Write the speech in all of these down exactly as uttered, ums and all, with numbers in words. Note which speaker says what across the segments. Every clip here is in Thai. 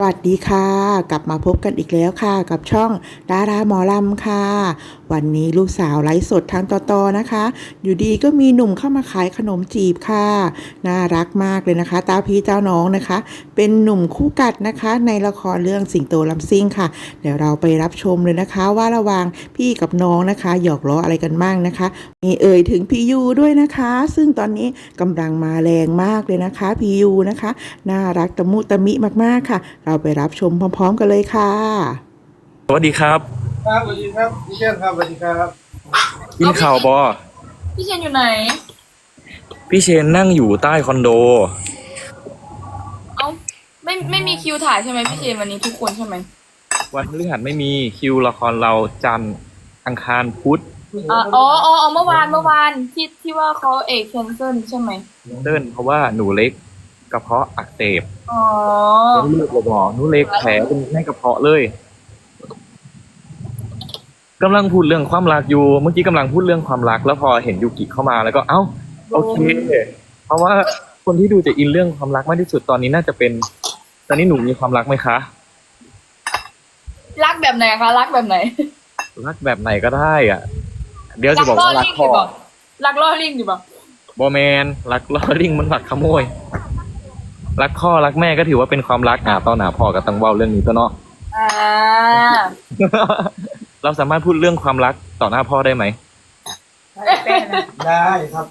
Speaker 1: สวัสดีค่ะกลับมาพบกันอีกแล้วค่ะกับช่องดาราหมอลำค่ะวันนี้ลูกสาวไลฟ์สดทางต่อๆนะคะอยู่ดีก็มีหนุ่มเข้ามาขายขนมจีบค่ะน่ารักมากเลยนะคะตาพี่เจ้าน้องนะคะเป็นหนุ่มคู่กัดนะคะในละครเรื่องสิงโตลำซิ่งค่ะเดี๋ยวเราไปรับชมเลยนะคะว่าระหว่างพี่กับน้องนะคะหยอกล้ออะไรกันบ้างนะคะมีเอ่ยถึงพี่ยูด้วยนะคะซึ่งตอนนี้กำลังมาแรงมากเลยนะคะพี่ยูนะคะน่ารักตะมุตะมิมากๆค่ะ เราไปรับชมพร้อมๆกันเลยค่ะ
Speaker 2: สวัสดีครับ
Speaker 3: ครับสวัสดีครับพี่เชษครับสวัสดีครับ
Speaker 2: กินข่าวบอ
Speaker 4: พี่เชนอยู่ไหน
Speaker 2: พี่เชนนั่งอยู่ใต้คอนโด
Speaker 4: เอ้าไม่ไม่มีคิวถ่ายใช่ไหมพี่เชนวันนี้ทุกคนใช่ไหม
Speaker 2: วันพฤหัสไม่มีคิวละครเราจันทร์อังคารพุธ
Speaker 4: อ๋ออ๋ออ๋อเมื่อวานเมื่อวานที่ที่ว่าเขาเอกแคนเซิลใช่ไหม
Speaker 2: เดินเพราะว่าหนูเล็กกระเพาะอักเสบ
Speaker 4: อ๋อ
Speaker 2: เป็นเลือดเลยบอหนูเล็กแผลเป็นในกระเพาะเลยกำลังพูดเรื่องความรักอยู่เมื่อกี้กำลังพูดเรื่องความรักแล้วพอเห็นยูกิเข้ามาแล้วก็เอ้าโอเคเพราะว่าคนที่ดูจะอินเรื่องความรักมากที่สุดตอนนี้น่าจะเป็นตอนนี้หนูมีความรักไหมคะ
Speaker 4: รักแบบไหนคะรักแบบไหน
Speaker 2: รักแบบไหนก็ได้อ่ะเดี๋ยวจะบอกว่ารักพ่อ
Speaker 4: รักล่อลิงอยู่ปะ
Speaker 2: บอแมนรักล่อลิงมันหลักขโมยรักพ่อรักแม่ก็ถือว่าเป็นความรักอ่ะตอนหนาพ่อกับตังเว้าเรื่องนี้ตัวเนาะ
Speaker 4: อ่า
Speaker 2: เราสามารถพูดเรื่องความรักต่อหน้าพ่อได้ไหม
Speaker 3: ได้ครับ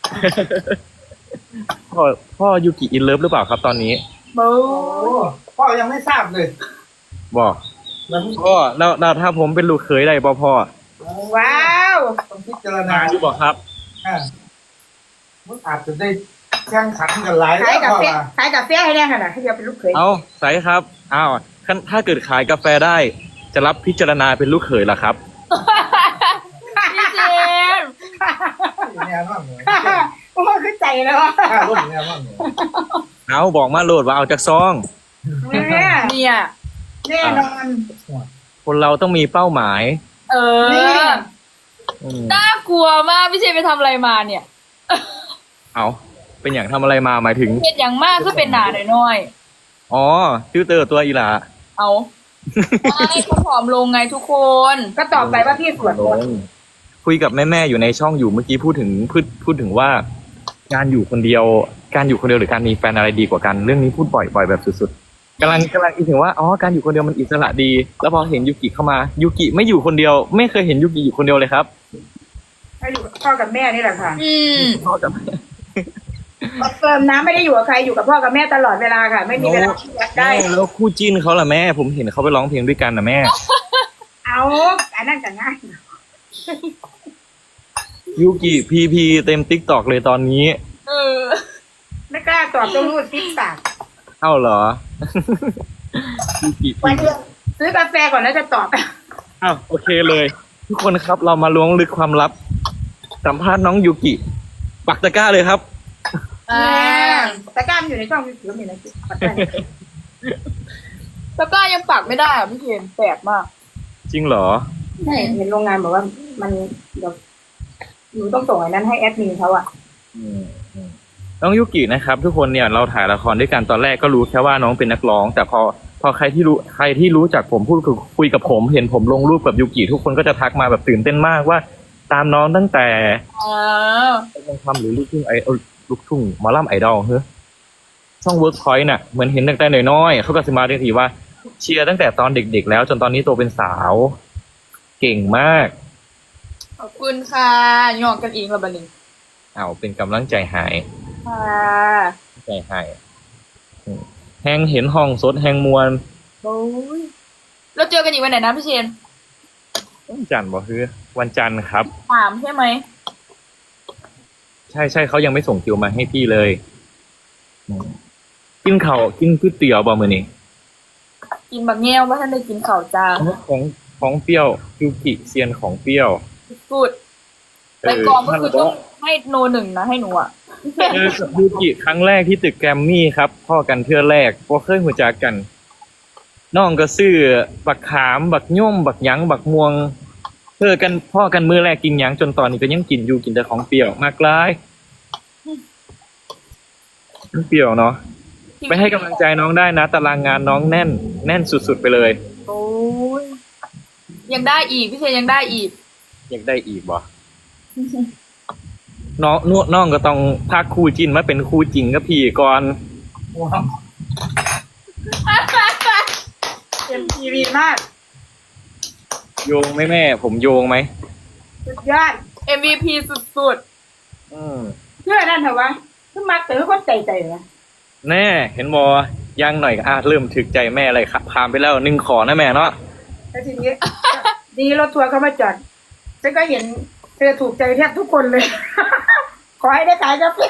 Speaker 2: พ่อพ่อยูกิอินเลิฟหรือเปล่าครับตอนนี้
Speaker 4: บู
Speaker 3: โอ้พ่อยังไม่ทราบเลย
Speaker 2: บอกพ่อแล้วแล้วถ้าผมเป็นลูกเขยได้ป่พ่อ
Speaker 4: ว้าว
Speaker 3: ต้องพิจารณา
Speaker 2: อยู่บอกครับ
Speaker 3: อ่ามันอาจจะได้แข่งขันกันหลาย
Speaker 5: ขายกาแฟ
Speaker 3: แล้ว
Speaker 5: ขายกาแฟให้ได้ขนาดให้เดียวเป็นลูกเขย
Speaker 2: เอาใส่ครับอ้าวถ้าเกิดขายกาแฟได้จะรับพิจารณาเป็นลูกเขยล่ะครับ
Speaker 4: พี่เจม
Speaker 3: แน่นอนเลย
Speaker 5: โอ้ขึ้นใจแล้ว
Speaker 3: ค่าร่มแน่นอนเลย
Speaker 2: เอาบอกมาโหลดว่าเอาจากซอง
Speaker 5: เนี่ย
Speaker 4: เนี่ย
Speaker 5: แน่นอน
Speaker 2: คนเราต้องมีเป้าหมาย
Speaker 4: เออ
Speaker 2: อืม
Speaker 4: น่ากลัวมากพี่เชนไปทำอะไรมาเนี่ย
Speaker 2: เอาเป็นอย่างทำอะไรมาหมายถึง
Speaker 4: เห็นอย่างมากก็เป็นหนาหน่อย
Speaker 2: อ๋อฟิลเตอร์ตัวอีหลา
Speaker 4: ๆเอาไม่เขาผอมลงไงทุกคน
Speaker 5: ก็ตอบไปว่าพี่สวยหมด
Speaker 2: คุยกับแม่ๆอยู่ในช่องอยู่เมื่อกี้พูดถึงพูดพูดถึงว่า การอยู่คนเดียว การอยู่คนเดียวหรือการมีแฟนอะไรดีกว่ากันเรื่องนี้พูดบ่อยบ่อยแบบสุดๆกำลังกำลังคิดถึงว่าอ๋อการอยู่คนเดียวมันอิสระดี แล้วพอเห็นยูกิเข้ามายูกิไม่อยู่คนเดียว ไม่เคยเห็นยูกิอยู่คนเดียวเลยครับ
Speaker 5: ให้อยู่กับพ่อกับแม่นี่แหละค่ะ
Speaker 4: อืม
Speaker 2: พ่อกับแม่
Speaker 5: เฟิร์มนะไม่ได้อยู่กับใครอยู่กับพ่อกับแม่ตลอดเวลาค่ะ ไม่มีเวลาที่จะได้
Speaker 2: แล้วคู่จิ้นเขาล่ะแม่ ผมเห็นเขาไปร้องเพลงด้วยกันนะแม่
Speaker 5: เอาอันนั้นจะง่าย
Speaker 2: ยูกิพีพีเต็มติ๊กตอกเลยตอนนี้
Speaker 4: เออ
Speaker 5: ไม่กล้าตอบต้องรูดติ๊กปาก
Speaker 2: เอ้าเหรอ ยูกิ
Speaker 5: วันเดียวซื้อกาแฟก่อนแล้วจะตอบ
Speaker 2: อ้าวโอเคเลย ทุกคนครับเรามาล้วงลึกความลับ สัมภาษณ์น้องยูกิปักตะกร้าเลยครับ
Speaker 4: อ่า
Speaker 5: แต่กล้ามอยู่ในช่องมีถือมีนะจิ๊บปัดได้
Speaker 4: แล้วก็ยังปักไม่ได้อ่ะพี่เชนแปลกมาก
Speaker 2: จริงเหรอ
Speaker 5: ใช่เห็นโรงงานบอกว่ามันเดี๋ยวหนูต้องส่งไอ้นั้นให้แอดมินเขาอะ
Speaker 2: อืมอืมน้องยูกินะครับ ทุกคนเนี่ยเราถ่ายละครด้วยกันตอนแรกก็รู้แค่ว่าน้องเป็นนักร้อง แต่พอพอใครที่รู้ใครที่รู้จักผมพูดคุยกับผมเห็นผมลงรูปกับยูกิทุกคนก็จะทักมาแบบตื่นเต้นมากว่า ตามน้องตั้งแต่
Speaker 4: อ๋อ
Speaker 2: เป็นทำหรือลูกทุ่งไอเอ่อลูกทุ่งหมอลำไอดอลเฮ้ยช่องเวิร์กพอยต์น่ะเหมือนเห็นตั้งแต่น้อยๆเขาก็จะมาเรียกทีว่าเชียร์ตั้งแต่ตอนเด็กๆแล้วจนตอนนี้โตเป็นสาว เก่งมาก
Speaker 4: ขอบคุณค่ะยองกันเองละบันนี้
Speaker 2: เอาเป็นกำลังใจหาย
Speaker 4: ค่ะ
Speaker 2: ใจหายอืมแหงเห็นห้องสดแหงมวล
Speaker 4: โอ้ยเราเจอกันอีกวันไหนนะพี่เชน
Speaker 2: วันจันทร์บ่คือวันจันทร์ครับ
Speaker 4: ถามใช่ไหม
Speaker 2: ใช่ใช่เขายังไม่ส่งคิวมาให้พี่เลยอืมกินข้าวกินก๋วยเตี๋ยวบ่มื้อนี้
Speaker 4: กินบักแง่วว่าท่านได้กินข่าวจ้า
Speaker 2: ของของเปรี้ยวยูกิเซียนของเปรี้ยว
Speaker 4: กูดแต่กองก็คือต้องให้โนหนึ่งนะให้หนูอ่ะ
Speaker 2: เจอกับยูกิครั้งแรกที่ตึกแกรมมี่ครับพ่อกันเทื่อแรกพอเคยหัวจักกันน้องก็ซื้อบักขามบักย่อมบักหยังบักม่วงเพื่อกันพ่อกันมือแรกกินหยังจนตอนนี้ก็ยังกินอยู่กินแต่ของเปรี้ยวมากหลายมันเปรี้ยวเนาะไปให้กำลังใจน้องได้นะตารางงานน้องแน่น แน่นสุดๆไปเลย
Speaker 4: โอ้ยยังได้อีกพี่เชนยังได้อีก
Speaker 2: อยากได้อีกบ่น้องนวดน้องก็ต้องพากคู่จินมาเป็นคู่จริงกับพี่ก่อน
Speaker 3: ว้าว
Speaker 5: เอ็มทีวีมาก
Speaker 2: โยงไหมแม่ ผมโยงไหม
Speaker 5: สุดยอด
Speaker 4: เอ็ม วี พี สุด
Speaker 2: อืม
Speaker 5: เชื่อนั่นเถอะวะคือมักแต่ก็ใจใจนะ
Speaker 2: แน่เห็นบอย่างหน่อยก็อาจเริ่มถึกใจแม่เลยครับผ่านไปแล้วหนึ่งขอนะแม่เนาะ
Speaker 5: แล้วทีนี้ ดีรถทัวร์เขามาจอดฉันก็เห็นเธอถูกใจแทบทุกคนเลย ขอให้ได้ขายกาแฟ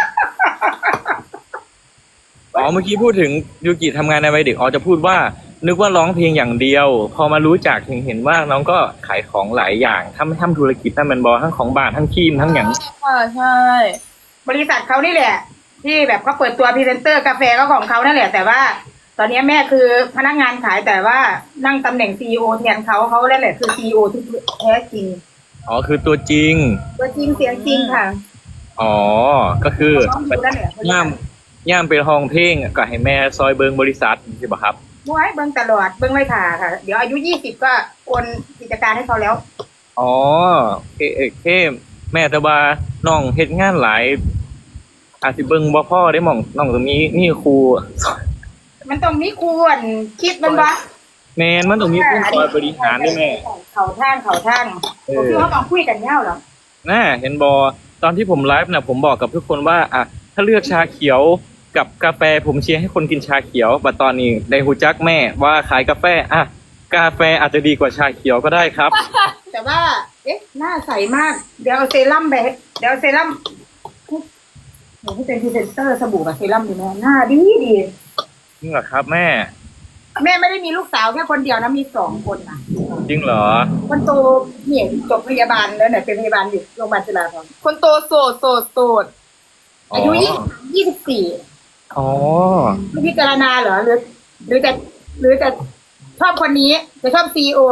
Speaker 2: อ๋อเมื่อกี้พูดถึงยูกิทำงานในวัยเด็กอ๋อจะพูดว่า นึกว่าร้องเพลงอย่างเดียว พอมารู้จักถึงเห็นว่าน้องก็ขายของหลายอย่างทำทำธุรกิจนั่นมันบอทั้งของบ้านทั้งครีมทั้งอย่าง
Speaker 4: ๆค่ะใช่
Speaker 5: บริษัทเขานี่แหละ ที่แบบเขาเปิดตัวพรีเซนเตอร์กาแฟก็ของเขานั่นแหละ แต่ว่า ตอนนี้แม่คือพนักงานขายแต่ว่านั่งตำแหน่งซีอีโอแทนเขาเขานั่นแหละคือซีอีโอที่แท้จริง
Speaker 2: อ๋อคือตัวจริง
Speaker 5: ตัวจริงเสียงจริงค่ะ
Speaker 2: อ๋อก็คือ
Speaker 5: น้องอยู่นั่นแหละ
Speaker 2: ย่ามย่ามเป็นห้องเพลงก็ให้แม่ซอยเบิงบริษัทใช่ปะครับ
Speaker 5: มวยเบิ้งตลอดเบิ้งไม่ผ่าค่ะ เดี๋ยวอายุยี่สิบก็โอนกิจการให้เขาแล้ว
Speaker 2: อ๋อเคเอเคแม่แต่ว่าน้องเฮ็ดงานหลาย อาจสิเบิ่งบ่พ่อได้หม่องน้องตรงนี้นี่ครู
Speaker 5: มันต้องมีควรคิดมันวะ
Speaker 2: แมนมันตรงนี้ผู้คอยบริหารด้วยแม่
Speaker 5: เขาทางเขาทาง
Speaker 2: เออ
Speaker 5: ผมคิดว่าต้องคุยกันเง่าเหรอ
Speaker 2: น่าเห็นบอตอนที่ผมไลฟ์น่ะผมบอกกับทุกคนว่าอ่ะถ้าเลือกชาเขียวกับกาแฟผมเชียร์ให้คนกินชาเขียวบัดตอนนี้ได้ฮู้จักแม่ว่าขายกาแฟอ่ะกาแฟอาจจะดีกว่าชาเขียวก็ได้ครับ
Speaker 5: แต่ว่า เอ๊ะ หน้าใสมาก เดี๋ยวเอาเซรั่มไปเดี๋ยวเอาเซรั่มหนูที่เป็นพรีเซนเตอร์สบู่กับเซรั่มดีไหมหน้าดีดี
Speaker 2: จริงเหรอครับแม่
Speaker 5: แม่ไม่ได้มีลูกสาวแค่คนเดียวนะมีสองคนนะ
Speaker 2: จริงเหรอ
Speaker 5: คนโตเนี่ยจบพยาบาลแล้วเนี่ยเป็นพยาบาลอยู่โรงพยาบาลจุฬาภรณ์
Speaker 4: คนโตโสดโสดโสด
Speaker 5: อายุยี่ยี่สิบสี่
Speaker 2: อ๋อ
Speaker 5: ไม่พิจารณาเหรอหรือ หรือจะหรือจะชอบคนนี้จะชอบซีโอ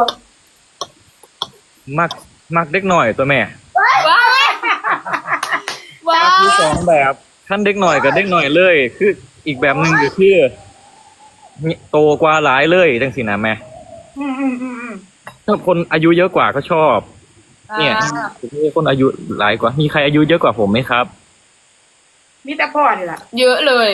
Speaker 2: มักมักเด็กหน่อยตัวแม่
Speaker 4: ว้าวว้า
Speaker 2: มัก
Speaker 4: ว
Speaker 2: คือสองแบบขั้นเด็กหน่อยกับเด็กหน่อยเลย คืออีกแบบหนึ่งก็คือโตกว่าหลายเลยจังสินะแม่
Speaker 5: อืมอืมอืมอืม
Speaker 2: ถ้าคนอายุเยอะกว่าก็ชอบ เนี่ย
Speaker 4: อ่า
Speaker 2: คนอายุหลายกว่า มีใครอายุเยอะกว่าผมไหมครับ
Speaker 5: มีแต่พ่อนี่แหละ
Speaker 4: เยอะเลย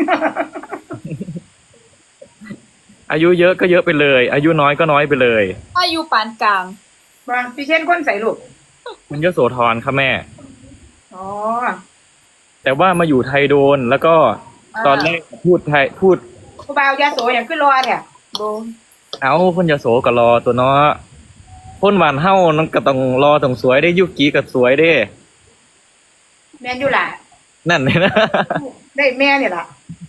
Speaker 2: อายุเยอะก็เยอะไปเลย อายุน้อยก็น้อยไปเลย
Speaker 4: อายุปานกลาง
Speaker 5: บางพี่เช่นคนใส่ลูก
Speaker 2: มันยโสธรครับแม่
Speaker 5: อ๋อ
Speaker 2: แต่ว่ามาอยู่ไทยโดน แล้วก็
Speaker 4: อ่า
Speaker 2: ตอนแรกพูดไทยพูด
Speaker 5: ครูบาวยาโสอย่างขึ้นรอเนี่ย
Speaker 4: โบ
Speaker 2: เอาคนยโสก็รอตัวเนาะพ่นหวานเฮ้านั่นก็ต้องรอต้องสวยได้ยุกีก็สวยได้
Speaker 5: แม่นอยู่ล่ะ
Speaker 2: นั่นเลยนะ
Speaker 5: ได้แม่เนี่ยล่ะ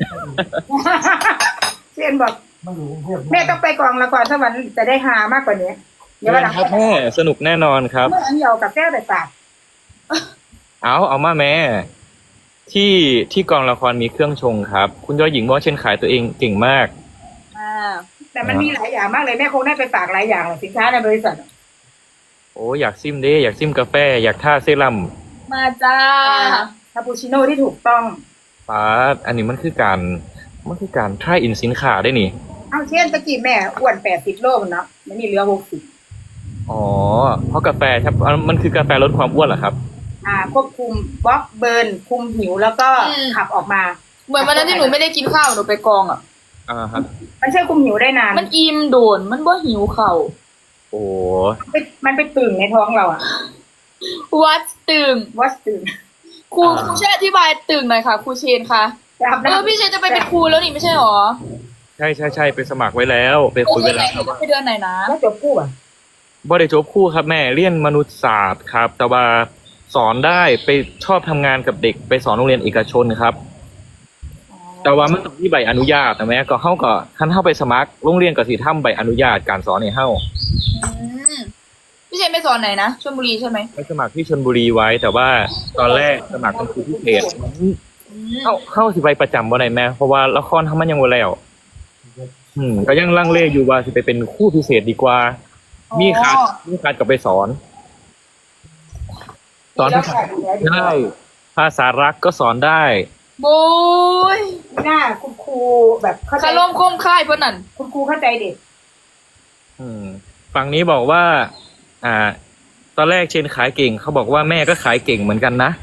Speaker 5: เช่นบอก
Speaker 3: มาอยู่กรุงเทพ
Speaker 5: แม่ต้องไปกองละครสวรรค์จะได้หามากกว่านี้ เดี๋ยววันหลัง
Speaker 2: ครับแม่สนุกแน่นอนครับ
Speaker 5: เมื่ออันเดียวกับแก้วแต่ปาก
Speaker 2: เอาเอามาแม่ ที่ที่กองละครมีเครื่องชงครับ คุณยอดหญิงบอกว่าเช่นขายตัวเองเก่งมาก
Speaker 4: อ่า
Speaker 5: แต่มันมีหลายอย่างมากเลยแม่คงได้ไปฝากหลายอย่างเลยสินค้าในบริษัท
Speaker 2: โอ้อยากซิมเด้อยากซิมกาแฟ อยากท่าเซรั่ม
Speaker 4: มาจ้า
Speaker 5: คาปูชิโน่ที่ถูกต้อง
Speaker 2: ป้าดอันนี้มันคือการมันคือการ try in สินค้าได้นี่
Speaker 5: เอาเช่นตะกี้แม่อ้วนแปดสิบโลมันเนาะมันนี่เหลือหกสิบ
Speaker 2: อ๋อ เพราะกาแฟครับมันคือกาแฟลดความอ้วนเหรอครับ
Speaker 5: อ่าควบคุมบล็อกเบิร์นคุมหิวแล้วก็
Speaker 4: อืม
Speaker 5: ขับออกมา
Speaker 4: เหมือนวันนั้นที่หนูไม่ได้กินข้าวหนูไปกองอ่ะ
Speaker 2: อ่าครับ
Speaker 5: มันช่วยคุมหิวได้นาน
Speaker 4: มันอิ่มโดน มันบ่หิวเข่า
Speaker 2: โอ้
Speaker 5: มันไปมันไปตึงในท้องเราอะ
Speaker 4: วัดตึง
Speaker 5: วัดตึง
Speaker 4: ครูครูช่วยอธิบายตึงหน่อยค่ะครูเชนคะ
Speaker 5: จะอาบ
Speaker 4: เออ
Speaker 5: น้ำ
Speaker 4: พี่เชนจะไปเป็นครูแล้วนี่ไม่ใช่หรอ
Speaker 2: ใช่ใช่ใช่ไปสมัครไว้แล้ว ไป
Speaker 4: โอ้
Speaker 2: คุย
Speaker 4: เดื
Speaker 2: ไว้
Speaker 4: อนไหน
Speaker 2: แล้ว
Speaker 4: หนูจะไปเดือนไหนนะ
Speaker 5: แล้วจบคู่อะ
Speaker 2: บ่ได้จบคู่ครับแม่เรียนมนุษยศาสตร์ครับ แต่ว่าสอนได้ไปชอบทำงานกับเด็กไปสอนโรงเรียนเอกชนครับ แต่ว่ามันต้องมีใบอนุญาตนะแม่ก็เข้าก็ขั้นเข้าไปสมัครโรงเรียนก็สิทำใบอนุญาตการสอนให้เข้า
Speaker 4: อืมพี่เชนไปสอนไหนนะชลบุรีใช่ไหม
Speaker 2: ไปสมัครที่ชลบุรีไว้ แต่ว่าตอนแรกสมัครเป็นครูพิเศษ
Speaker 4: อืม
Speaker 2: เข้าเข้าสิไปประจำบ่ได้แม่เพราะว่าละครทำมันยังบ่แล้ว อืมก็ยังลังเลอยู่ว่าสิไปเป็นครู่พิเศษดีกว่า มีคัดมีคัดกับไปสอน สอนภาษาได้ภาษารักก็สอนได้
Speaker 4: โบ้ย
Speaker 5: หน้าคุณครูแบบเข้าใจ
Speaker 4: คารมคมค่ายเพื่อนนั่น
Speaker 5: คุณครูเข้าใจเด็ก
Speaker 2: อืมฝั่งนี้บอกว่า อ่า ตอนแรกเชนขายเก่งเขาบอกว่าแม่ก็ขายเก่งเหมือนกันนะ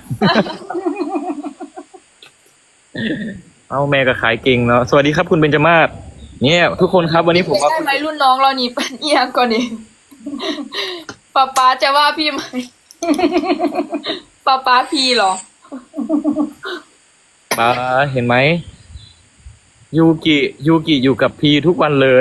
Speaker 2: เอาแม่ก็ขายเก่งเนาะสวัสดีครับคุณเบญจมาศเนี่ยทุกคนครับวันนี้ผม
Speaker 4: ไม่
Speaker 2: ว่า
Speaker 4: ใช่ไหมรุ่นน้องเรานี่เป็นเอียงก่อนนี่ป๊าป๊าจะว่าพี่ไหมป๊าป๊าพี่เหรอ
Speaker 2: ป้าเห็นไหมยูกิยูกิอยู่กับพีทุกวันเลย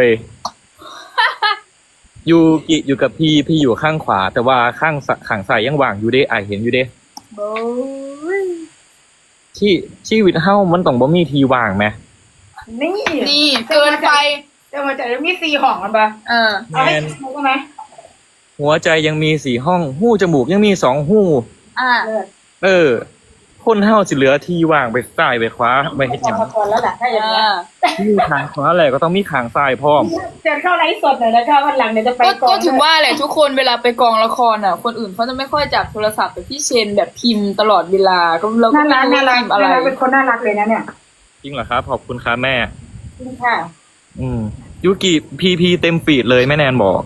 Speaker 2: ยูกิอยู่กับพี่พี่อยู่ข้างขวา แต่ว่าข้างสข้างซ้ายยังว่างอยู่เด้ไอายเห็นอยู่เด้
Speaker 5: โอ้ย
Speaker 2: ที่ชีวิตเฮ้ามันต้องบ่มีทีว่างไหม
Speaker 5: นี่
Speaker 4: นี่เกินไป
Speaker 5: เดี๋ยวมันจะมีสี่ห้องกันปะ
Speaker 4: เออ
Speaker 5: เอาให้ถูกไหม
Speaker 2: หัวใจยังมีสี่ห้องหู้จมูกยังมีสองหู้
Speaker 4: อ่า
Speaker 5: เลิศ
Speaker 2: เออ คนเฮ้าสิเหลือทีว่างไปซ้ายไปขวาไปเฮ็ดหยัง
Speaker 5: พอก่อนแล้วแหละถ้าอย่างเงี้ย
Speaker 2: มีขางขวาแหละก็ต้องมีขางซ้ายพร้อม
Speaker 5: เดินเข้าไลฟ์สดหน่อยนะคะวันหลังเดี๋ยวจะไป
Speaker 4: ก็
Speaker 5: กอง
Speaker 4: ก็ถึงว่าแหละทุกคนเวลาไปกองละครอ่ะ คนอื่นเขาจะไม่ค่อยจับโทรศัพท์แต่พี่เชนแบบพิมพ์ตลอดเวลาก็เราก็
Speaker 5: น่า
Speaker 4: ไม่
Speaker 5: รัก
Speaker 4: รู้
Speaker 5: น่า
Speaker 4: ว่า
Speaker 5: รัก
Speaker 4: พิมพ์อะไร
Speaker 5: น่ารักเป็นคนน่ารักเลยนะเนี่ย
Speaker 2: จริงเหรอครับขอบคุณครับแม่
Speaker 5: จริงค่ะ
Speaker 2: อืมยูกิพีพีเต็มฟีดเลยแม่แนนบอก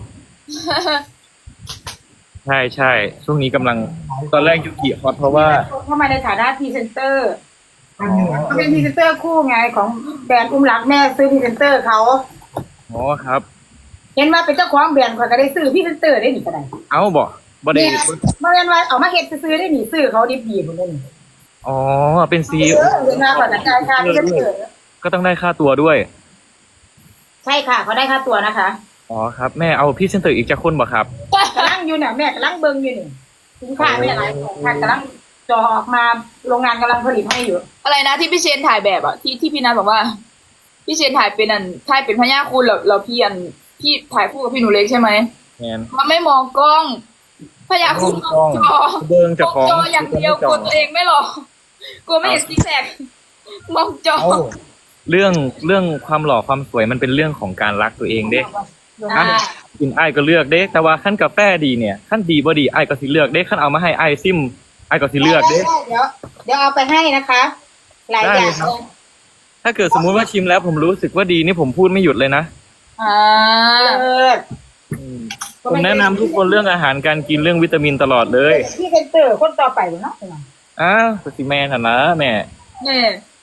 Speaker 2: ใช่ใช่ช่วงนี้กำลังตอนแรกยูกิฮอตเพราะว่า
Speaker 5: เข้ามาในฐานะพรีเซนเตอร์
Speaker 3: อันหนึ่งอัน
Speaker 5: เขาเป็นพรีเซนเตอร์คู่ไงของแบรนด์อุ้มรักแม่ซื้อพรีเซนเตอร์เขา
Speaker 2: อ๋อครับ
Speaker 5: เห็นว่าเป็นเจ้าของแบรนด์เขาก็ได้ซื้อพรีเซนเตอร์ได้หนิก็ได้
Speaker 2: เอาบอกบอดี
Speaker 5: เนี่ยเมื่อวันว่าเอามาเฮ็ดซื้อได้หนิซื้อเขาดิบดีหมดเลยนี่
Speaker 2: อ๋อเป็นซี
Speaker 5: เออเรียนมาก่อนนะการค่าพรีเซนเตอร์
Speaker 2: ก็ต้องได้ค่าตัวด้วย
Speaker 5: ใช่ค่ะเขาได้ค่าตัวนะคะ
Speaker 2: อ๋อครับแม่เอาพี่เซนเตอร์อีกจะคนบ่ครับ
Speaker 5: กำลังอยู่เนี่ยแม่กำลังเบิ่งอยู่นี่สินค้าไม่อะไรค่ะกำลังจอออกมาโรงงานกำลังผลิตให้อยู่
Speaker 4: อะไรนะที่พี่เชนถ่ายแบบอ่ะที่ที่พี่นัทบอกว่า พี่เชนถ่ายเป็นอันถ่ายเป็นพญาคุณแล้วเราพี่อันพี่ถ่ายคู่กับพี่หนูเล็กใช่ไหม
Speaker 2: แมน
Speaker 4: มันไม่มองกล้องพญาคุณมองจอ
Speaker 2: เบิงจะ
Speaker 4: มอง
Speaker 2: ของ
Speaker 4: จออย่างเดียวกลัวตัวเองไม่หรอกลัวไม่เห็นซิกแซกมองจอ
Speaker 2: เอ้าเรื่องเรื่องความหล่อความสวยมันเป็นเรื่องของการรักตัวเองเด้
Speaker 4: อ่า
Speaker 2: กินไอ้ายก็เลือกเด้แต่ว่าขั้นกาแฟดีเนี่ยขั้นดีบ่ดีไอ้ายก็สิเลือกเด้ขั้นเอามาให้ไอ้ายซิมไอ้ายก็สิเลือกเด้
Speaker 5: ได้เดี๋ยวเดี๋ยวเอาไปให้นะคะ หลายอย่าง
Speaker 2: ได้ครับ ถ้าเกิดสมมุติว่าชิมแล้วผมรู้สึกว่าดีนี่ผมพูดไม่หยุดเลยนะ
Speaker 4: อ่า
Speaker 5: เออ
Speaker 2: ผมแนะนำทุกคนเรื่องอาหารการกินเรื่องวิตามินตลอดเลย
Speaker 5: พี่เซนเตอร์คนต่อไปเนาะ
Speaker 2: อ้าวสติแม่น่ะนะแม่
Speaker 4: เนี่ย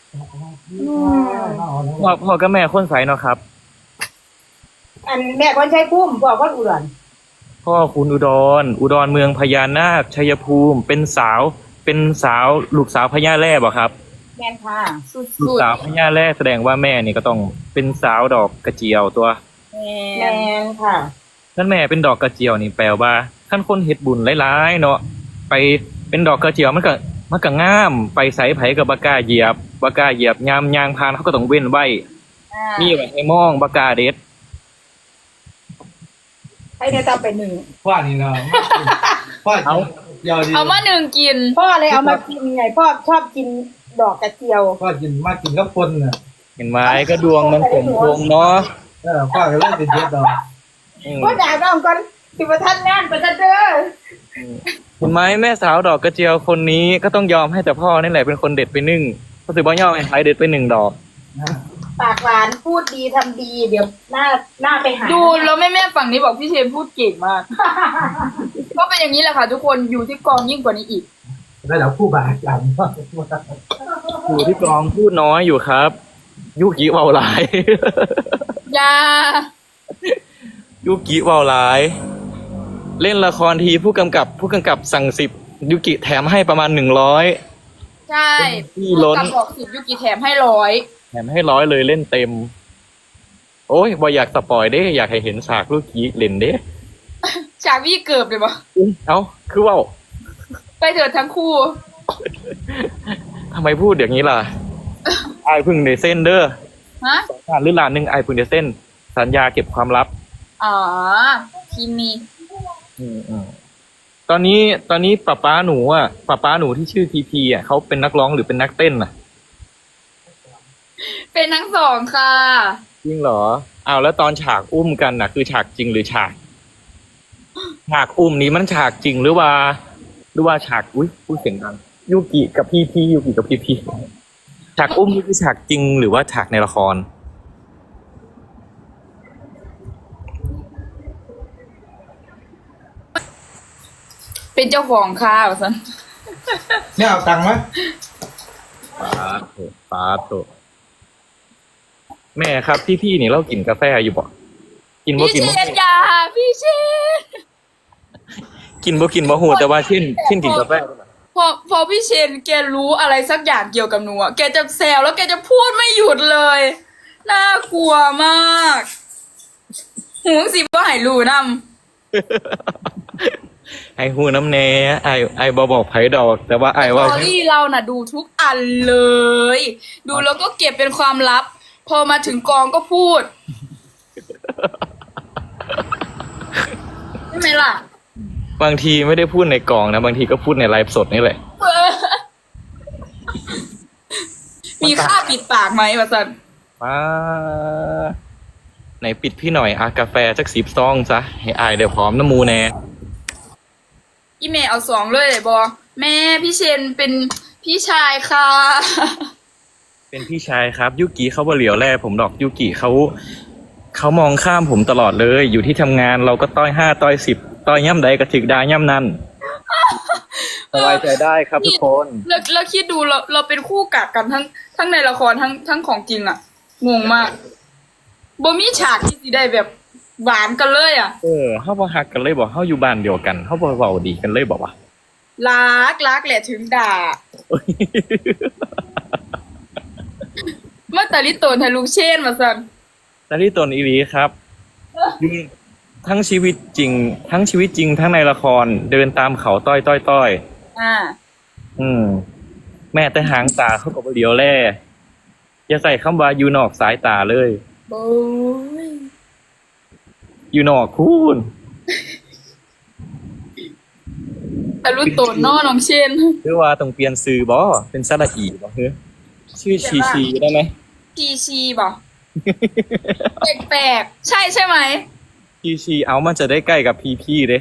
Speaker 2: พ่อพ่อกับแม่คนใสเนาะครับ
Speaker 5: อันแม่คนใช้พุ่มบอกว่าอุดร
Speaker 2: พ่อคุณอุดร อุดรเมืองพญานาคชัยภูมิ เป็นสาว เป็นสาวลูกสาวพญาแร่บ่ครับ
Speaker 5: แม่นค่ะ
Speaker 4: สุด
Speaker 2: ลูก
Speaker 4: สุด
Speaker 2: สาวพญาแร่แสดงว่าแม่นี่ก็ต้องเป็นสาวดอกกระเจียวตัว
Speaker 5: แม่นค่ะ
Speaker 2: ท่านแม่เป็นดอกกระเจียวนี่แปลว่าท่านคนเฮ็ดบุญหลายๆเนาะไปเป็นดอกกระเจียวมันก็มันก็งามไปใส่ไผกับบากล้าเหยียบบากล้าเหยียบยามยางพานเขาก็ต้องเว้นไว้
Speaker 5: อ่า
Speaker 2: นี่ไว้ให้มองบากล้าเด็ด
Speaker 5: ให้เนี่ยต่อไปหนึ่ง
Speaker 3: พ่อนี่เนาะพ่อ
Speaker 2: เอา
Speaker 3: ยาวดี
Speaker 4: เอามาหนึ่งกิน
Speaker 5: พ่อเลยเอามากินไงพ่อชอบกินดอกกระเจียว
Speaker 3: พ่อกินมากินกับคนน่ะ
Speaker 2: เห็นไหมก็ดวงมันสมพงษ์เนาะ
Speaker 3: เออพ่อก็เล่นเป็นเยอะดอก
Speaker 2: อืม
Speaker 5: พ่อด่าน้องก่อนสิประทันงานประทันเด้อ
Speaker 2: เห็นไหมแม่สาวดอกกระเจียวคนนี้ก็ต้องยอมให้แต่พ่อนี่แหละเป็นคนเด็ดไปหนึ่งก็ถือว่ายอมให้ใครเด็ดไปหนึ่งดอก
Speaker 3: นะ
Speaker 5: ปากหวานพูดดีทำดี เดี๋ยวหน้าหน้าไปหา
Speaker 4: ดูแล้วแม่แม่ๆฝั่งนี้บอกพี่เชนพูดเก่งมาก ก็เป็นอย่างนี้แหละค่ะทุกคนอยู่ที่กองยิ่งกว่านี้อีก
Speaker 3: ระดับผู้บาดเจ็บ
Speaker 2: อยู่ที่กองพูดน้อยอยู่ครับ ยุกิเบาหลาย
Speaker 4: อยา
Speaker 2: ยุกิเบาหลาย เล่นละครทีผู้กำกับ ผู้กำกับสั่งสิบยุกิแถมให้ประมาณหนึ่งร้อย
Speaker 4: ใช่
Speaker 2: พี่ล้น
Speaker 4: กับบอกสิบยุกิแถมให้ร้อย
Speaker 2: แถมให้ร้อยเลยเล่นเต็ม โอ้ยบอยอยากสปอยเด้ อยากให้เห็นฉากลูกกี้เล่นเด้
Speaker 4: ฉากพี่เกือบเลยปะ
Speaker 2: อุ๊ยเอ้าคือเว่า
Speaker 4: ไปเถิดทั้งคู่
Speaker 2: ทำไมพูดอย่างนี้ล่ะ ไอายเพึ่งในเส้นเด้อ
Speaker 4: ฮะ
Speaker 2: สารหรือลานหนึ่งไอายเพึ่งในเส้น สัญญาเก็บความลับ
Speaker 4: อ๋อทีมี
Speaker 2: อืมอืมตอนนี้ตอนนี้ป้าป้าหนูอ่ะป้าป้าหนูที่ชื่อทีพีอ่ะเขาเป็นนักร้องหรือเป็นนักเต้นอ่ะ
Speaker 4: เป็นทั้งสองค่ะ
Speaker 2: จริงเหรออ้าวแล้วตอนฉากอุ้มกันน่ะ คือฉากจริงหรือฉาก ฉากอุ้มนี้มันฉากจริงหรือว่า หรือว่าฉากอุ้ยพูดเสียงดังยูกิกับพีพียูกิกับพีพีฉากอุ้มนี่คือฉากจริงหรือว่าฉากในละคร
Speaker 4: เป็นเจ้าของค่ะว่าซั่น
Speaker 3: เนี่ยเอาตังค์ไหม
Speaker 2: ปาโถปาโถแม่ครับที่พี่นี่เรากินกาแฟอยู่บ่กินบ่
Speaker 4: พี่
Speaker 2: กิน
Speaker 4: เช
Speaker 2: บ่
Speaker 4: นอยาพี่เชน
Speaker 2: กินบ่กินบ่หูแต่ว่าเช่นเช่นกินกาแฟ
Speaker 4: พอพอพี่เชนแกรู้อะไรสักอย่างเกี่ยวกับหนูอะแกจะแซวแล้วแกจะพูดไม่หยุดเลย น่ากลัวมากหูสิบ่ใหายรู้นำ
Speaker 2: ไอหูน้ำแน่ไอไอบอบอกไผดอก แต่ว่าไอ
Speaker 4: ส
Speaker 2: ว่า
Speaker 4: ตอรี่เราน่ะดูทุกอันเลย ดูแล้วก็เก็บเป็นความลับ พอมาถึงกองก็พูดใช่ไหมล่ะ
Speaker 2: บางทีไม่ได้พูดในกล่องนะ บางทีก็พูดในไลฟ์สดนี่แหละ
Speaker 4: เออมีค่าปิดปากไหมวะสัน
Speaker 2: มาไหนปิดพี่หน่อยอะกาแฟสักสิบซองซะให้อายเดี๋ยวพร้อมน้ำมูแน่
Speaker 4: อีเมลเอาสองเลยบอแม่พี่เชนเป็นพี่ชายค่ะ
Speaker 2: เป็นพี่ชายครับยุกิเขาบ่เหลียวแลผมดอกยุกิเขาเขามองข้ามผมตลอดเลย อยู่ที่ทำงานเราก็ต้อยห้าต้อยสิบต้อยย่ำใดก็ถึกดาย่ำนั่นสบายใจได้ครับทุกคน
Speaker 4: แล้วแล้วคิดดูเราเราเป็นคู่กัดกันทั้งทั้งในละครทั้งทั้งของจริงอะงงมากบ่มีฉากที่สิได้แบบหวานกันเลยอะ
Speaker 2: เออเขาบ่ฮักกันเลยบอกเขาอยู่บ้านเดียวกันเขาบ่เว้าดีกันเลยบอกว่า
Speaker 4: รักรักแหละถึงด่าเมื่อตาลิโตนให้ลูกเชนมาสัน
Speaker 2: แต่ที่ตนอีรีครับอยู่ทั้งชีวิตจริง ทั้งชีวิตจริงทั้งในละครเดินตามเขาต้อยต้อยต้อย
Speaker 4: อ่า
Speaker 2: อืม แม่แต่หางตาเขาก็บ่เหลียวแลอย่าใส่คำว่าอยู่นอกสายตาเลย
Speaker 4: โอ้ย
Speaker 2: อยู่นอกคูณ
Speaker 4: ตาลุโตนนอน้องเชน
Speaker 2: หรือว่าต้องเปลี่ยนซื้อบ่เป็นสระอีบ่เฮ้ยชื่อชีชีได้ไหม
Speaker 4: ชีชีบ่แปลกๆใช่ใช่ไหม
Speaker 2: ชีชีเอามันจะได้ใกล้กับพีพีเด้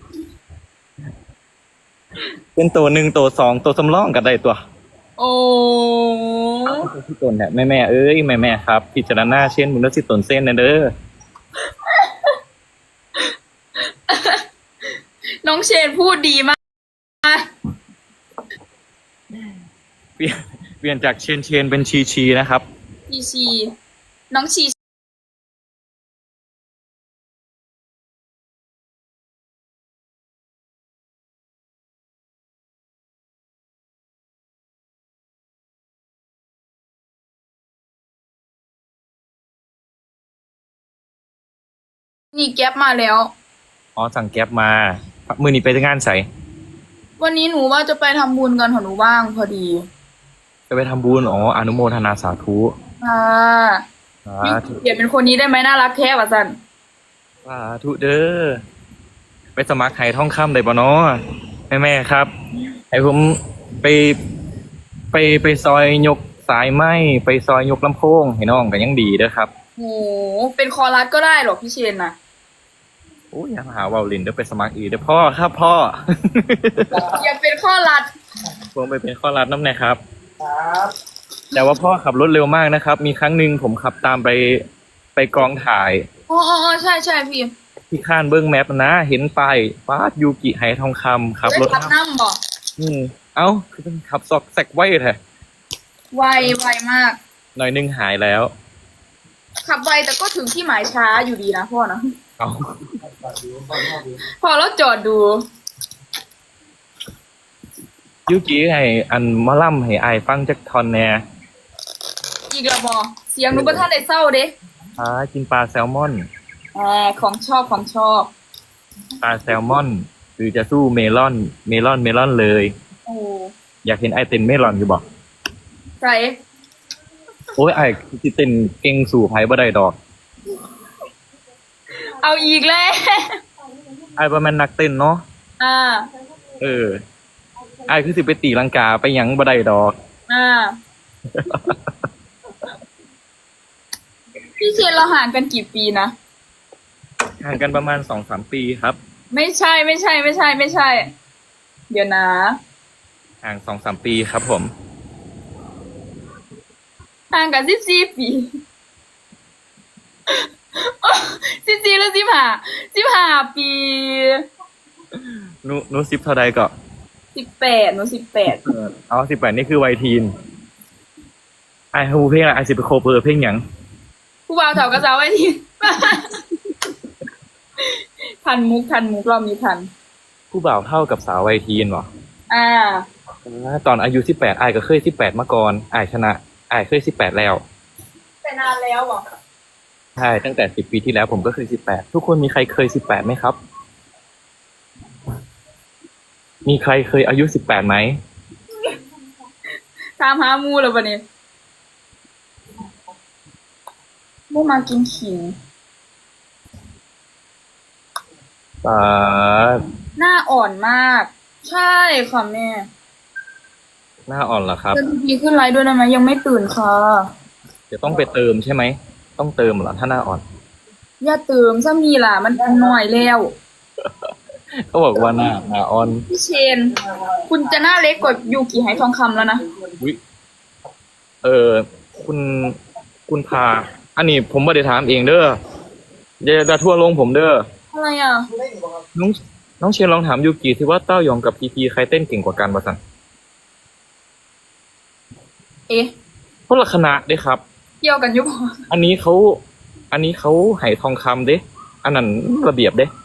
Speaker 2: เป็นตัวหนึ่งตัวสองตัวสำรองกันได้ตัว
Speaker 4: โอ้
Speaker 2: ที่ตนเนี่ยแม่แม่ๆเอ้ยแม่แม่ๆครับพิจารณาเช่นมึงแล้วสิตนเส้นนะเด้อ
Speaker 4: น้องเชนพูดดีมาก
Speaker 2: เปลี่ยนเปลี่ยนจากเชนเชนเป็นชีชีนะครับ
Speaker 4: ชีชี น้องชีนี่แก๊ปมาแล้ว
Speaker 2: อ๋อสั่งแก๊ปมามือนี้ไปงานใส่
Speaker 4: วันนี้หนูว่าจะไปทำบุญกันค่ะหนูว่างพอดี
Speaker 2: จะไปทำบุญอ๋ออนุโมทนาสาธุ
Speaker 4: ค่ะ
Speaker 2: สา
Speaker 4: นี่
Speaker 2: ธุ
Speaker 4: เปลี่ยนเป็นคนนี้ได้ไหมน่ารักแท้ว่ะสัน
Speaker 2: สาธุเด้อไปสมัครไห้ท่องคำได้บ่เนาะแม่แม่ๆครับให้ผมไปไปไปซอยยกสายไม้ไปซอยยกลำโพงให้น้องกันยังดีเด้อครับ
Speaker 4: โหเป็นคอรัสก็ได้หรอพี่เชนนะ
Speaker 2: โอ้ยอย่ามาหาเวาลินเดี๋ยวไปสมัครอีกเด้อพ่อครับพ่อ
Speaker 4: อยากเป็นข้อรัด
Speaker 2: ผมไปเป็นข้อรับน้ำหนะครับ
Speaker 3: ครับ
Speaker 2: แต่ว่าพ่อขับรถเร็วมากนะครับ มีครั้งหนึ่งผมขับตามไปไปกองถ่าย
Speaker 4: อ๋ออ๋ออ๋อใช่ใช่พี่
Speaker 2: ที่ข้านเบิ้งแมปนะ เห็นป้ายป้าดยูกิไหทองคำขับ
Speaker 4: ได้
Speaker 2: รถ
Speaker 4: ขับน้ำบอก
Speaker 2: อืมเอ้าคือเป็นขับซอกแซกไว้แท้
Speaker 4: ไวไวมาก
Speaker 2: หน่อยหนึงหายแล้ว
Speaker 4: ขับไวแต่ก็ถึงที่หมายช้าอยู่ดีนะพ่อนะ
Speaker 2: เอา
Speaker 4: พอแล้วจอดดู
Speaker 2: ยูกิให้อันมะล่ำให้อายฟังจักทอนแหน่
Speaker 4: อีกและบอเสียงหนูประท่านได้เศร้าเด้
Speaker 2: อ่ากินปลาแซลมอน
Speaker 4: อ่าของชอบของชอบ
Speaker 2: ปลาแซลมอน หรือจะสู้เมลอน เมลอนเมลอนเลย
Speaker 4: โอ้
Speaker 2: อยากเห็นไอเต้นเมลอนอยู่บอก
Speaker 4: ใส่
Speaker 2: โอ้ยไอสิเต้นเก่งสู่ไผบ่ได้ดอก
Speaker 4: เอาอีกแล้ว
Speaker 2: ไอบ่แม่นนักเต้นเนาะ
Speaker 4: อ่า
Speaker 2: เออไอคือสิไปตีลังกาไปหยังบ่ได้ดอก
Speaker 4: อ่า พี่เชนเราห่างกันกี่ปีนะ
Speaker 2: ห่างกันประมาณสองสามปีครับ
Speaker 4: ไม่ใช่ไม่ใช่ไม่ใช่ไม่ใช่ เดี๋ยวนะ
Speaker 2: ห่างสองสามปีครับผม
Speaker 4: ห่างกันสิบสี่ปีสิบสี่หรือสิบห้าสิบห้าปี
Speaker 2: หนูหนูสิบเท่าใดก็
Speaker 4: สิบแปดหนูสิบแปด
Speaker 2: เออเอาสิบแปดนี่คือวัยทีนไอ้ฮูเพลงอะไรไอ้สิบโคเปอร์เพลงหยัง
Speaker 4: ผู้บ่าวเถากระเจ้าไว้ทีทันมุกทันมุกรอบนี้ทัน
Speaker 2: ผู้บ่าวเท่ากับสาววัยทีนเหรอ
Speaker 4: อ่า
Speaker 2: อ่าตอนอายุสิบแปดไอ้ก็เคยสิบแปดมาก่อนไอ้ชนะไอ้เคยสิบแปดแล้ว
Speaker 4: แต่นานแล้วบอก
Speaker 2: ใช่ตั้งแต่สิบปีที่แล้วผมก็เคยสิบแปดทุกคนมีใครเคยสิบแปดไหมครับ มีใครเคยอายุสิบแปดไหม
Speaker 4: ตามหามูแล้วปะเนี่ยมูมากินขิง
Speaker 2: อ่า
Speaker 4: หน้าอ่อนมาก ใช่ค่ะแม่
Speaker 2: หน้าอ่อนเหรอครับ
Speaker 4: เดินดีขึ้นไลฟ์ด้วยได้ไหมยังไม่ตื่นค่ะ
Speaker 2: เดี๋ยวต้องไปเติมใช่ไหมต้องเติมเหรอถ้าหน้าอ่อน
Speaker 4: อย่าเติมซะมีล่ะ มันหน่อยแล้ว
Speaker 2: เขาบอกว่าหน้าหน้าอ่อน
Speaker 4: พี่เชน คุณจะหน้าเล็กกว่ายูกิไหทองคำแล้วนะ
Speaker 2: อุ๊ยเออคุณคุณพา อันนี้ผมไม่ได้ถามเองเด้ออย่าอย่าทั่วลงผมเด้อ
Speaker 4: อะไรอ่ะ
Speaker 2: น้องน้องเชียร์ลองถามยูกิสิว่าเต้ายองกับพีพีใครเต้นเก่งกว่ากันวะสัน
Speaker 4: เอ๊ะ
Speaker 2: คนละคณะเด้ครับ
Speaker 4: เกี่ยวกันอยุบ
Speaker 2: อันนี้เขาอันนี้เขาไหทองคำเด้อันนั้นระเบียบเด้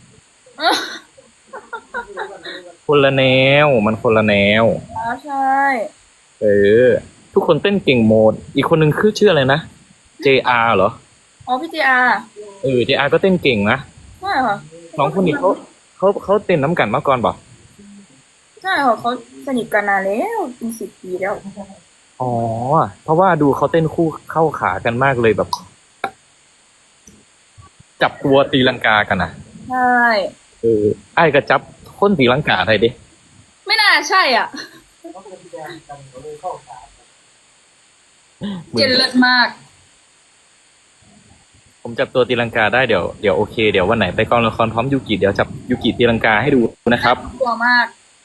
Speaker 2: คนละแนวมันคนละแนว
Speaker 4: อ๋อใช่
Speaker 2: เออ ทุกคนเต้นเก่งโหมด อีกคนนึงคือชื่ออะไรนะ เจ อาร์ เหรอ
Speaker 4: อ๋อพี่เจอาร์
Speaker 2: เออ เจ อาร์ ก็เต้นเก่งนะ
Speaker 4: ใช่ค่ะ
Speaker 2: สองคนนี้เขาเขาเขาเต้นน้ำกันมาก่อนบอก
Speaker 4: ใช่ค่ะเขาสนิทกันนานแล้วเป็นสิบปีแล้ว
Speaker 2: อ๋อ เพราะว่าดูเขาเต้นคู่เข้าขากันมากเลยแบบ จับตัวตีลังกากันนะ
Speaker 4: ใช่
Speaker 2: เออไอ้ายก็จับคนตีลังกาไทยดิ
Speaker 4: ไม่น่าใช่อ่ะ เจนเลิศมาก
Speaker 2: ผมจับตัวตีลังกาได้เดี๋ยวเดี๋ยวโอเคเดี๋ยววันไหนไปกองละครพร้อมยูกิเดี๋ยวจับยูกิตีลังกาให้ดูนะครับ
Speaker 4: กลัวมาก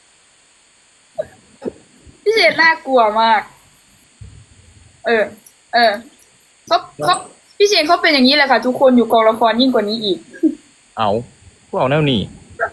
Speaker 4: พี่เจนน่ากลัวมาก เออ เออเขาเขาพี่เชนเขาเป็นอย่างนี้แหละค่ะ ทุกคนอยู่กองละครยิ่งกว่านี้อีก
Speaker 2: เอาพวกเอาแนวนี้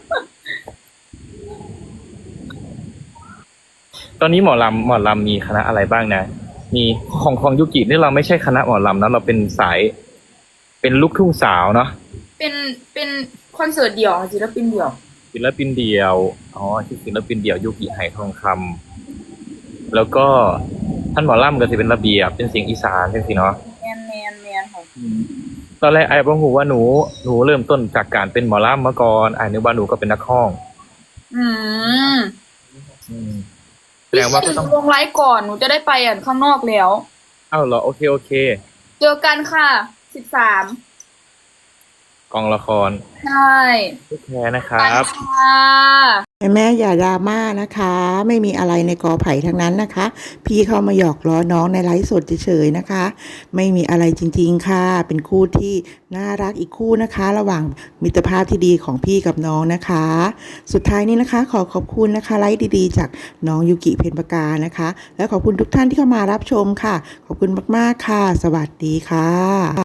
Speaker 2: ตอนนี้หมอลำหมอลำมีคณะอะไรบ้างนะ มีของของยูกินี่เราไม่ใช่คณะหมอลำนะเราเป็นสาย เป็นลูกทุ่งสาวเนาะ
Speaker 4: เป็นเป็นคอนเสิร์ตเดี่ยวค่ะศิลปินเดี่ยว
Speaker 2: ศิลปินเดียวอ๋อที่ศิลปินเดี่ยวยูกิไหทองคำแล้วก็ท่านหมอลำก็จะเป็นระเบียบเป็นเสียงอีสานเป็นสิเนาะ
Speaker 4: แมนแมนแมนค่ะ
Speaker 2: ตอนแรกไอ้บอกหูว่าหนูหนูเริ่มต้นจากการเป็นหมอลำมาก่อนไอ้นึกว่าหนูก็เป็นนักร้อง
Speaker 4: อืม
Speaker 2: อืมแส
Speaker 4: พี่
Speaker 2: ดงว่า
Speaker 4: เช
Speaker 2: ก็
Speaker 4: น
Speaker 2: ต้อง
Speaker 4: ลงไลฟ์ก่อนหนูจะได้ไปอ่านข้างนอกแล้ว
Speaker 2: อ้าวเหรอโอเคโอเค
Speaker 4: เจอกันค่ะสิบสาม
Speaker 2: กองละคร
Speaker 4: ใช่
Speaker 2: ทุกแท้นะค
Speaker 4: ไป
Speaker 2: รับ
Speaker 4: ค่ะ
Speaker 1: แม่แม่อย่าดราม่านะคะ ไม่มีอะไรในกอไผ่ทั้งนั้นนะคะ พี่เขามาหยอกล้อน้องในไลฟ์สดเฉยๆนะคะ ไม่มีอะไรจริงๆค่ะ เป็นคู่ที่น่ารักอีกคู่นะคะ ระหว่างมิตรภาพที่ดีของพี่กับน้องนะคะ สุดท้ายนี้นะคะ ขอขอบคุณนะคะไลฟ์ดีๆ จากน้องยูกิเพ็ญปากานะคะ และขอบคุณทุกท่านที่เข้ามารับชมค่ะ ขอบคุณมากๆค่ะ สวัสดีค่ะ